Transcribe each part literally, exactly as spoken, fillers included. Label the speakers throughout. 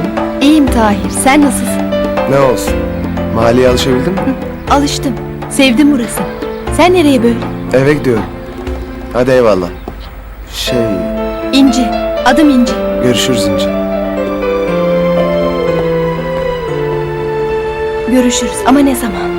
Speaker 1: nasılsın?
Speaker 2: İyiyim Tahir, sen nasılsın?
Speaker 1: Ne olsun? Mahalleye alışabildin mi?
Speaker 2: Alıştım, sevdim burası. Sen nereye böyle?
Speaker 1: Eve gidiyorum. Hadi eyvallah. Şey,
Speaker 2: İnci, adım İnci.
Speaker 1: görüşürüz İnci.
Speaker 2: Görüşürüz ama ne zaman?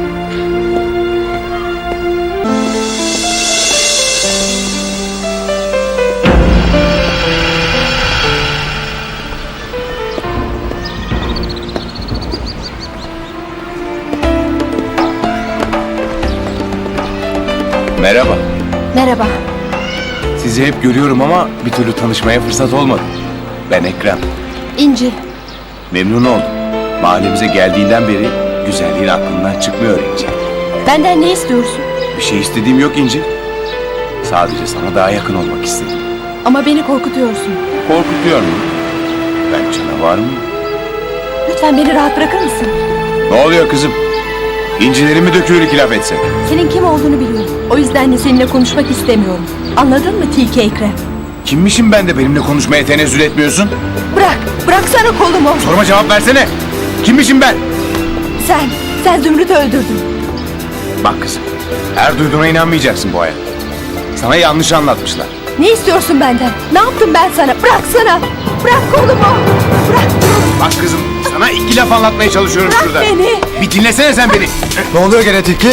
Speaker 3: Merhaba.
Speaker 2: Merhaba.
Speaker 3: Sizi hep görüyorum ama bir türlü tanışmaya fırsat olmadı. Ben Ekrem.
Speaker 2: İnci,
Speaker 3: Memnun oldum. Mahallemize geldiğinden beri güzelliğin aklından çıkmıyor İnci.
Speaker 2: benden ne istiyorsun?
Speaker 3: Bir şey istediğim yok İnci. Sadece sana daha yakın olmak istedim.
Speaker 2: Ama beni korkutuyorsun.
Speaker 3: Korkutuyor mu? Ben canavar mıyım?
Speaker 2: Lütfen beni rahat bırakır mısın?
Speaker 3: Ne oluyor kızım? İncilerimi döküyor iki laf etse.
Speaker 2: Senin kim olduğunu biliyorum. O yüzden de seninle konuşmak istemiyorum. Anladın mı Tilki Ekrem?
Speaker 3: Kimmişim ben de benimle konuşmaya tenezzül etmiyorsun?
Speaker 2: Bırak, bıraksana kolumu.
Speaker 3: Soruma cevap versene. Kimmişim ben?
Speaker 2: Sen, sen Zümrüt'ü öldürdün.
Speaker 3: Bak kızım, her duyduğuna inanmayacaksın bu hayat. Sana yanlış anlatmışlar.
Speaker 2: Ne istiyorsun benden? Ne yaptım ben sana? Bıraksana. Bırak kolumu. Bırak.
Speaker 3: Bak kızım, sana iki laf anlatmaya çalışıyorum
Speaker 2: Bırak
Speaker 3: şurada.
Speaker 2: beni.
Speaker 3: Bir dinlesene sen beni.
Speaker 1: Ne oluyor gene Tilki?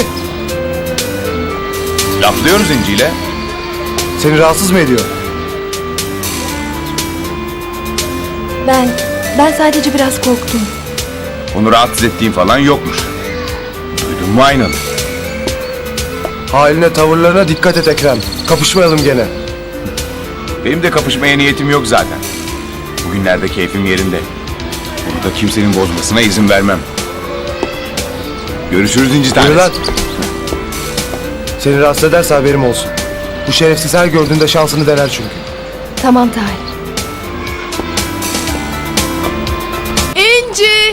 Speaker 3: Laflıyoruz İnci'yle.
Speaker 1: Seni rahatsız mı ediyor?
Speaker 2: Ben, ben sadece biraz korktum.
Speaker 3: Onu rahatsız ettiğin falan yokmuş. Duydun mu aynalı?
Speaker 1: Haline tavırlarına dikkat et Ekrem. Kapışmayalım gene.
Speaker 3: Benim de kapışmaya niyetim yok zaten. Bugünlerde keyfim yerinde. Bunu da kimsenin bozmasına izin vermem. Görüşürüz İnci tanesi.
Speaker 1: Yürü lan. Seni rahatsız ederse haberim olsun. Bu şerefsiz her gördüğünde şansını dener çünkü.
Speaker 2: Tamam Tahir.
Speaker 4: İnci!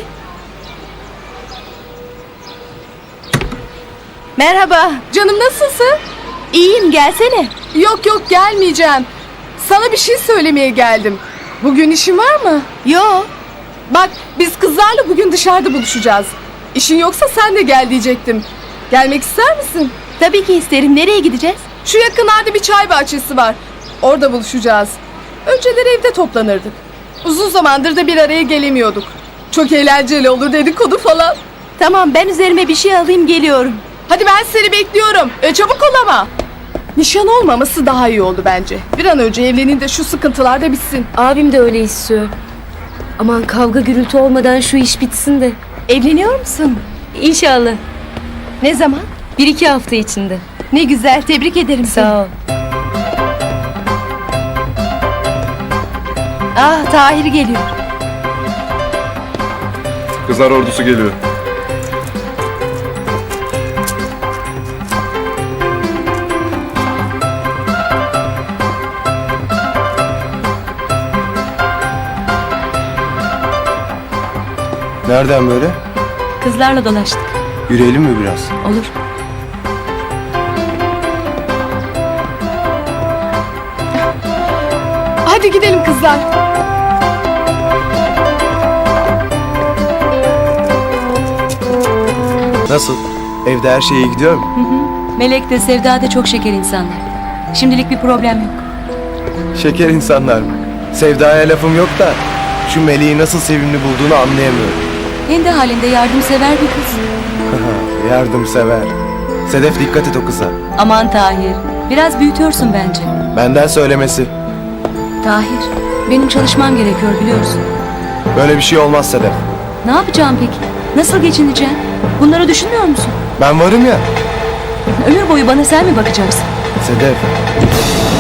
Speaker 2: Merhaba.
Speaker 4: Canım nasılsın?
Speaker 2: İyiyim, gelsene.
Speaker 4: Yok yok gelmeyeceğim. Sana bir şey söylemeye geldim. Bugün işin var mı?
Speaker 2: Yo.
Speaker 4: Bak biz kızlarla bugün dışarıda buluşacağız. İşin yoksa sen de gel diyecektim. Gelmek ister misin?
Speaker 2: Tabii ki isterim. Nereye gideceğiz?
Speaker 4: Şu yakınlarda bir çay bahçesi var. Orada buluşacağız. Önceleri evde toplanırdık. Uzun zamandır da bir araya gelemiyorduk. Çok eğlenceli olur dedikodu falan.
Speaker 2: Tamam, ben üzerime bir şey alayım, geliyorum.
Speaker 4: Hadi ben seni bekliyorum. E, çabuk ol ama. Nişan olmaması daha iyi oldu bence. Bir an önce evlenin de şu sıkıntılar da bitsin.
Speaker 5: Abim de öyle istiyor. Aman kavga gürültü olmadan şu iş bitsin de.
Speaker 2: Evleniyor musun?
Speaker 5: İnşallah.
Speaker 2: Ne zaman?
Speaker 5: Bir iki hafta içinde.
Speaker 2: Ne güzel, tebrik ederim seni.
Speaker 5: Sağ ol.
Speaker 2: Ah, Tahir geliyor.
Speaker 3: Kızlar ordusu geliyor.
Speaker 1: Nereden böyle?
Speaker 5: Kızlarla dolaştık.
Speaker 1: Yürüyelim mi biraz?
Speaker 5: Olur.
Speaker 4: Hadi gidelim kızlar.
Speaker 1: Nasıl? Evde her şey iyi gidiyor mu?
Speaker 5: Melek de Sevda da çok şeker insanlar. Şimdilik bir problem yok.
Speaker 1: Şeker insanlar mı? Sevda'ya lafım yok da şu Melih'i nasıl sevimli bulduğunu anlayamıyorum.
Speaker 5: Kendi halinde yardımsever bir kız.
Speaker 1: Yardımsever. Sedef dikkat et o kıza.
Speaker 5: Aman Tahir, biraz büyütüyorsun bence.
Speaker 1: Benden söylemesi.
Speaker 5: Tahir, benim çalışmam gerekiyor biliyorsun.
Speaker 1: Böyle bir şey olmaz Sedef.
Speaker 5: Ne yapacağım peki? Nasıl geçineceğim? Bunları düşünmüyor musun?
Speaker 1: Ben varım ya.
Speaker 5: Ömür boyu bana sen mi bakacaksın?
Speaker 1: Sedef.